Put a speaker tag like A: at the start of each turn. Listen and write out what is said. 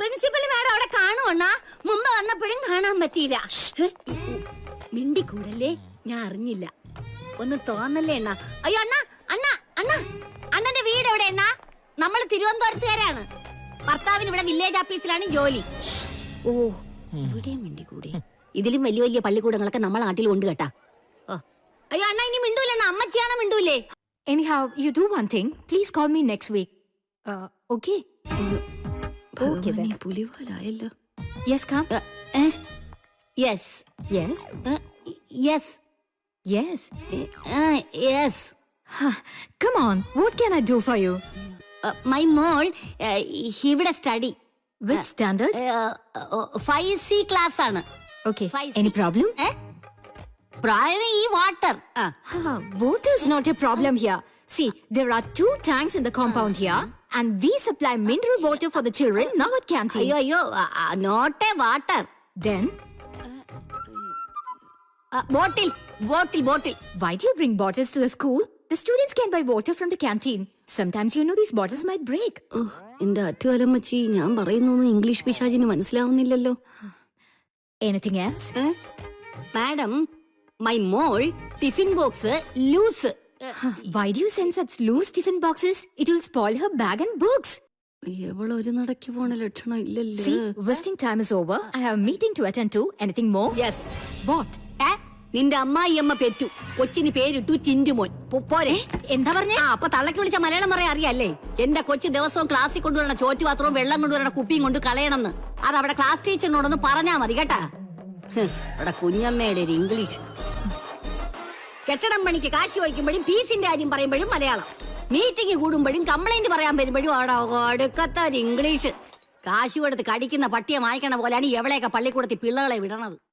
A: Principal madam അവിടെ കാണുവണ്ണാ. മുമ്പ് വന്നപ്പോഴും കാണാൻ പറ്റിയില്ല. മിണ്ടിക്കൂടല്ലേ, ഞാൻ അറിഞ്ഞില്ല. ഒന്ന് തോന്നല്ലേ അണ്ണാ. അയ്യോ അണ്ണാ, അണ്ണാ, അണ്ണാ, അണ്ണന്റെ വീട് എവിടെ അണ്ണാ? നമ്മൾ തിരുവനന്തപുരത്തുകാരാണ്. ഭർത്താവിന് ഇവിടെ വില്ലേജ് ഓഫീസിലാണ് ജോലി. ഓ, ഇവിടെയും മിണ്ടിക്കൂടെ? ഇതിലും വലിയ വലിയ പള്ളിക്കൂടങ്ങളൊക്കെ നമ്മളെ നാട്ടിൽ ഉണ്ട് കേട്ടാ. അയ്യോ അണ്ണാ, ഇനി മിണ്ടൂല്ലേ? അമ്മച്ചിയാണോ മിണ്ടൂല്ലേ?
B: Anyhow, you do one thing. Please call me next week. Okay? Okay then.
A: പുലിവാലായല്ലോ.
B: Yes, come.
A: Yes.
B: Yes?
A: Yes.
B: Yes.
A: Yes.
B: Come on. What can I do for you?
A: My മോൾ ഇവിടെ study.
B: Which standard?
A: 5C class ആണ്.
B: Okay.
A: 5C.
B: Any problem?
A: പ്രായം ഈ water.
B: Water is not a problem here. See, there are 2 tanks in the compound here, and we supply mineral water for the children now at canteen.
A: അയ്യോ അയ്യോ, not a water.
B: Then,
A: bottle bottle bottle.
B: why do you bring bottles to the school? The students can buy water from the canteen. Sometimes you know these bottles might break.
A: എന്റെ അറ്റുവലമ്മച്ചി, ഞാൻ പറയുന്നൊന്നും ഇംഗ്ലീഷ് പിശാചിന് മനസ്സിലാവുന്നില്ലല്ലോ.
B: Anything else?
A: Madam, my മോൾ tiffin box loose.
B: Why do you send such loose tiffin boxes? It will spoil her bag and books.
A: ഒരു നടക്കി പോണ ലക്ഷണം ഇല്ലല്ലോ.
B: See, wasting time is over. I have a meeting to attend to. Anything more?
A: Yes.
B: What?
A: നിന്റെ അമ്മായിയമ്മ പെറ്റു. കൊച്ചിന് പേരിട്ടു ടിന്റുമോൻ. പോരെ?
B: എന്താ പറഞ്ഞേ?
A: അപ്പൊ തള്ളക്ക് വിളിച്ച മലയാളം പറയാൻ അറിയാല്ലേ? എന്റെ കൊച്ചു ദിവസവും ക്ലാസ്സിൽ കൊണ്ടുവരണ ചോറ്റു പാത്രവും വെള്ളം കൊണ്ടുവരണ കുപ്പിയും കൊണ്ട് കളയണമെന്ന്. അത് അവിടെ ക്ലാസ് ടീച്ചറിനോടൊന്ന് പറഞ്ഞാ മതി കേട്ടാ. അവിടെ കുഞ്ഞമ്മയുടെ ഒരു ഇംഗ്ലീഷ്. കെട്ടിടം പണിക്ക് കാശ് ചോദിക്കുമ്പോഴും ഫീസിന്റെ കാര്യം പറയുമ്പോഴും മലയാളം. മീറ്റിംഗ് കൂടുമ്പോഴും കംപ്ലൈന്റ് പറയാൻ വരുമ്പോഴും അവിടെ ഒടുക്കത്തെ ഒരു ഇംഗ്ലീഷ്. കാശ് കൊടുത്ത് കടിക്കുന്ന പട്ടിയെ വായിക്കണ പോലെയാണ് എവിടെയൊക്കെ പള്ളിക്കൂടത്തിൽ പിള്ളകളെ വിടണത്.